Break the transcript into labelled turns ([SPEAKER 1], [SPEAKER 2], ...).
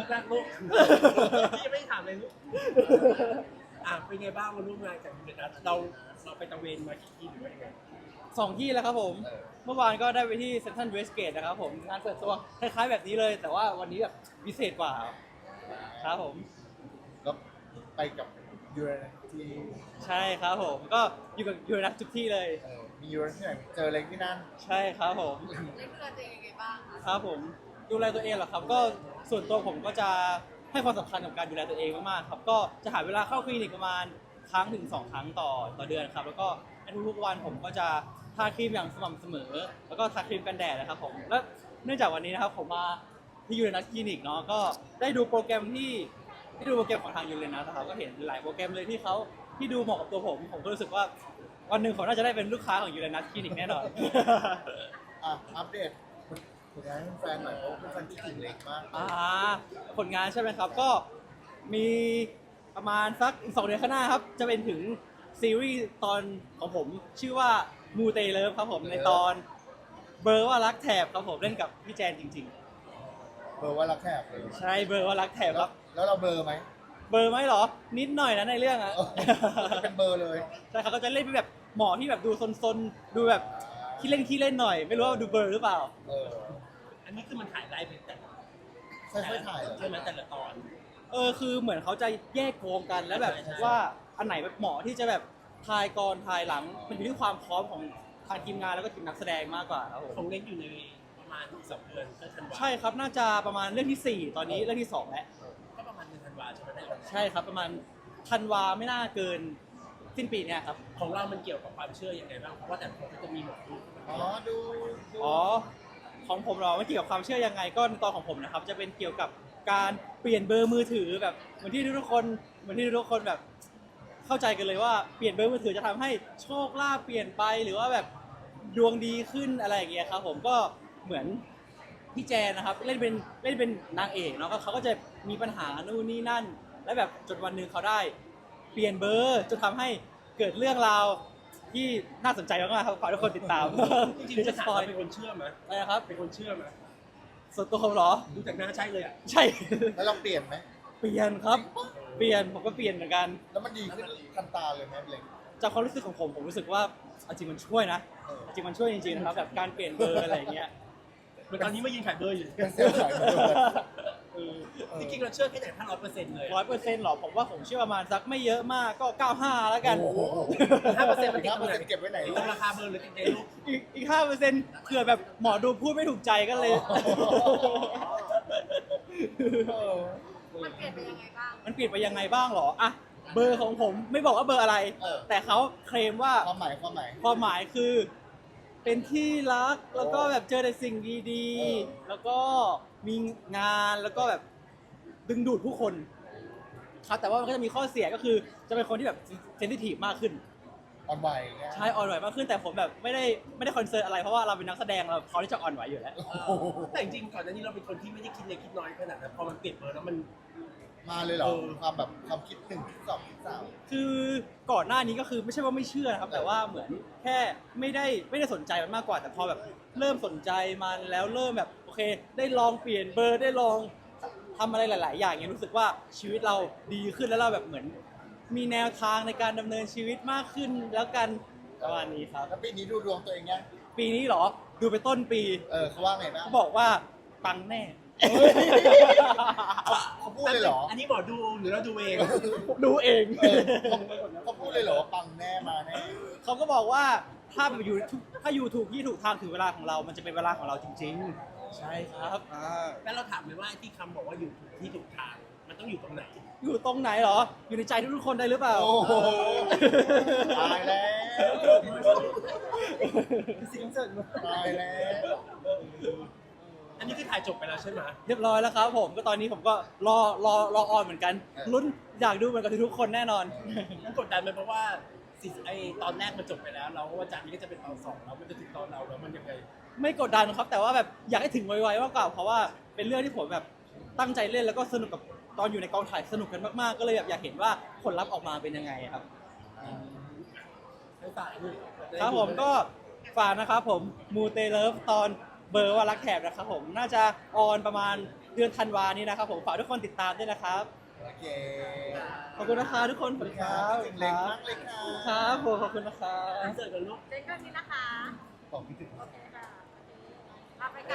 [SPEAKER 1] กลูกพี่ยังไม่ถามเลยลูกเป็นไงบ้างมาร่วมงานกับยูเรนัสเราไปตะเวนมากี่ที่หรือว่ายังไง
[SPEAKER 2] 2 ที่แล้วครับผมเมื่อวานก็ได้ไปที่เซ็นทรัลเวสเกตนะครับผมงานเปิดตัวคล้ายๆแบบนี้เลย แต่ว่าวันนี้แบบพิเศษกว่าครับผม
[SPEAKER 3] ก็ไปกับยูเรนัสที่
[SPEAKER 2] ใช่ครับผมก็อยู่กับยูเรนัสทุกที่เลย
[SPEAKER 3] มียูเรนัสที่ไหนเจออะไรที่นั่น
[SPEAKER 2] ใช่ครับผม
[SPEAKER 4] เล่นดูแลตัวเองยังไงบ้างคะ
[SPEAKER 2] ครับผมดูแลตัวเองเหรอครับก็ส่วนตัวผมก็จะให้ความสำคัญกับการดูแลตัวเองมากๆครับก็จะหาเวลาเข้าคลินิกประมาณครั้งถึง2 ครั้งต่อเดือนครับแล้วก็ในทุกๆวันผมก็จะทาครีมอย่างสม่ำเสมอแล้วก็ทาครีมกันแดดนะครับผมและเนื่องจากวันนี้นะครับผมมาที่ยูเรนัสคลินิกเนาะก็ได้ดูโปรแกรมที่ดูโปรแกรมของทางยูเรนัสนะครับก็เห็นหลายโปรแกรมเลยที่ดูเหมาะกับตัวผมก็รู้สึกว่าวันหนึ่งผมน่าจะได้เป็นลูกค้าของยูเรนัสคลินิกแน่นอน
[SPEAKER 3] อัปเดตผลงานให้แฟนหน่อยเพราะเป็นแฟนที่ถึงเล็กมาก
[SPEAKER 2] ผลงานใช่ไหมครับก็มีประมาณสักอีก2 เดือนข้างหน้าครับจะเป็นถึงซีรีส์ตอนของผมชื่อว่ามูเตเลิฟครับผมในตอนเบอร์ว่ารักแถบครับผมเล่นกับพี่แจนจริง
[SPEAKER 3] เบอร์ว่ารักแทบเลย
[SPEAKER 2] ๆใช่เบอร์ว่ารักแถบครับ
[SPEAKER 3] แล้วเราเบอร์ไหม
[SPEAKER 2] เบอร์ไหมเหรอนิดหน่อยนะในเรื่องอะ
[SPEAKER 3] เป็นเบอร์เลย
[SPEAKER 2] ใช่ครับก็จะเล่นเป็นแบบหมอที่แบบดูซนๆดูแบบขี้เล่นหน่อยไม่รู้ว่าดูเบอร์หรือเปล่า
[SPEAKER 1] อันนี้คือมันถ่ายไลฟ์เป็นแต่
[SPEAKER 3] ค่อยๆถ่าย
[SPEAKER 1] ใช่ไหมแต่ละตอน
[SPEAKER 2] คือเหมือนเขาจะแยกโครงกันแล้วแบบว่าอันไหนแบบเหมาะที่จะแบบถ่ายก่อนถ่ายหลังมันอยู่ที่ความพร้อมของทางทีมงานแล้วก็ทีมนักแสดงมากกว่าครับผม
[SPEAKER 1] ของเล็กอยู่ในประมาณ2 เดือนก็ธันวา
[SPEAKER 2] ใช่ครับน่าจะประมาณเรื่องที่4ตอนนี้เรื่องที่2แล้ว
[SPEAKER 1] ก็ประมาณเดือนธันวาใช่ไหม
[SPEAKER 2] ใช่ครับประมาณธันวาไม่น่าเกินสิ้นปีเนี่ยครับ
[SPEAKER 1] ของเรามันเกี่ยวกับความเชื่อยังไงบ้างเพราะว่าแต่ละคนก็จะมีหมอดู
[SPEAKER 3] ดู
[SPEAKER 2] ของผมเราไม่เกี่ยวกับความเชื่อยังไงก็ในตอนของผมนะครับจะเป็นเกี่ยวกับการเปลี่ยนเบอร์มือถือแบบเหมือนที่ทุกคนแบบเข้าใจกันเลยว่าเปลี่ยนเบอร์มือถือจะทำให้โชคลาภเปลี่ยนไปหรือว่าแบบดวงดีขึ้นอะไรอย่างเงี้ยครับผมก็เหมือนพี่แจนนะครับเล่นเป็นนางเอกเนาะเขาก็จะมีปัญหานู่นนี่นั่นและแบบจนวันหนึ่งเขาได้เปลี่ยนเบอร์จนทำให้เกิดเรื่องราวที่น่าสนใจมากๆครับขอให้ทุกคนติดตาม
[SPEAKER 1] จริงๆจะสปอยเป็นคนเชื่อไหม
[SPEAKER 2] อะไรนะครับ
[SPEAKER 1] เป็นคนเชื่อไหม
[SPEAKER 2] ส่วนตัวผมเหรอ
[SPEAKER 1] ดูจากหน้าใช่เลยอ่ะ
[SPEAKER 2] ใช่
[SPEAKER 3] แล้วเราเปลี่ยนไหม
[SPEAKER 2] เปลี่ยนครับเปลี่ยนผมก็เปลี่ยนเหมือนกัน
[SPEAKER 3] แล้วมันดีขึ้นทันตาเลยไหมเล็ก
[SPEAKER 2] จากความรู้สึกของผมรู้สึกว่าจริงมันช่วยนะจริงมันช่วยจริงๆนะครับแบบการเปลี่ยนเบอร์อะไรอย่างเงี้ย
[SPEAKER 1] ตอนนี้มายืนขายเบอร์อยู่
[SPEAKER 3] เป็นเซลล์ขายเบอร์
[SPEAKER 1] จริงๆเราเชื่อแค่ไหนถ้า100%เลย
[SPEAKER 2] 100%หรอผมว่าผมเชื่อประมาณสักไม่เยอะมากก็95แล้วกัน
[SPEAKER 1] 5%มัน
[SPEAKER 3] เก็บไว้ไหน
[SPEAKER 1] ราคาเบอร์หรือในรูป
[SPEAKER 2] อีก5%เผื่อแบบหมอดูพูดไม่ถูกใจก็เลย
[SPEAKER 4] มันเปลี่ยนไปยังไงบ้าง
[SPEAKER 2] มันเปลี่ยนไปยังไงบ้างหรออะเบอร์ของผมไม่บอกว่าเบอร์อะไรแต่เขาเคลมว่า
[SPEAKER 3] ความห
[SPEAKER 2] มายคือเป็นที่รักแล้วก็แบบเจอแต่สิ่งดีๆแล้วก็มีงานแล้วก็แบบดึงดูดผู้คนครับแต่ว่ามันก็จะมีข้อเสียก็คือจะเป็นคนที่แบบเซนซิทีฟมากขึ้น
[SPEAKER 3] อ่อนไหว
[SPEAKER 2] ใช่อ่อนไหวมากขึ้นแต่ผมแบบไม่ได้คอนเซิร์นอะไรเพราะว่าเราเป็นนักแสดงเราเขาที่จะอ่อนไหวอยู่แล้ว
[SPEAKER 1] แต่จริงๆก่อนหน้านี้เราเป็นคนที่ไม่ได้คิดเล็กคิดน้อยขนาดนั้นพอมันเปลี่ยนเบอร์แล้วมัน
[SPEAKER 3] มาเลยเหรอความคิด1 คิด 2 คิด 3
[SPEAKER 2] คือก่อนหน้านี้ก็คือไม่ใช่ว่าไม่เชื่อนะครับแต่ว่าเหมือนแค่ไม่ได้สนใจมันมากกว่าแต่พอแบบเริ่มสนใจมันแล้วเริ่มแบบโอเคได้ลองเปลี่ยนเบอร์ได้ลองทำอะไรหลายๆอย่างเงี้ยรู้สึกว่าชีวิตเราดีขึ้นแล้วเราแบบเหมือนมีแนวทางในการดำเนินชีวิตมากขึ้นแล้วกันประมาณนี้ครับ
[SPEAKER 3] แล้วปีนี้ดูดวงตัวเองยัง
[SPEAKER 2] ปีนี้เหรอดูไปต้นปี
[SPEAKER 3] เขาว่าไงบ้าง
[SPEAKER 2] เขาบอกว่าปังแน่
[SPEAKER 3] เขาพูดเลยเหรอ
[SPEAKER 1] อันนี้หมอดูหรือเราดูเอง
[SPEAKER 2] ดูเอง
[SPEAKER 3] เขาพูดเลยเหรอปังแน่มาแน่
[SPEAKER 2] เขาก็บอกว่าถ้าอยู่ถูกที่ถูกทางถึงเวลาของเรามันจะเป็นเวลาของเราจริงๆใช่ครับ
[SPEAKER 1] แล้วเราถามเลยว่าที่คำบอกว่าอยู่ถูกที่ถูกทางมันต้องอยู่ตรงไหน
[SPEAKER 2] อยู่ตรงไหนเหรออยู่ในใจทุกคนได้หรือเปล่า
[SPEAKER 3] โอ้โหตายแล้ว
[SPEAKER 1] สิ่งเสริม
[SPEAKER 3] ตายแล้ว
[SPEAKER 1] อันนี้คือถ่ายจบไปแล้วใช่ไหม
[SPEAKER 2] เรียบร้อยแล้วครับผมก็ตอนนี้ผมก็รอออนเหมือนกันลุ้นอยากดูเหมือนกับทุกคนแน่นอน
[SPEAKER 1] มันกดดันไหมเพราะว่าตอนแรกมันจบไปแล้วเราว่าจากนี้ก็จะเป็นตอน2แล้วมันจะถึงตอนเราแล้วมันยังไง
[SPEAKER 2] ไม่กดดันครับแต่ว่าแบบอยากให้ถึงไวๆมากกว่าเพราะว่าเป็นเรื่องที่ผมแบบตั้งใจเล่นแล้วก็สนุกกับตอนอยู่ในกองถ่ายสนุกกันมากๆก็เลยแบบอยากเห็นว่าผลลัพธ์ออกมาเป็นยังไงครับครับผมก็ฝากนะครับผมมูเตเลิฟตอนเบอร์ว่ารักแถบนะครับผมน่าจะออนประมาณเดือนธันวานี้นะครับผมฝากทุกคนติดตามด้วยนะครับ
[SPEAKER 3] โอเค
[SPEAKER 2] ขอบคุณนะครับทุกคน
[SPEAKER 3] สวัสดีครับคิดถึงเล็กมากเลยค่ะ
[SPEAKER 2] ครับผมขอบคุณนะครับ
[SPEAKER 1] อินเสิร์ตกันลูก
[SPEAKER 4] เจ๊ก็นี้นะคะ
[SPEAKER 3] บอกคิดถึง
[SPEAKER 4] โอเคค่ะเอาไปกัน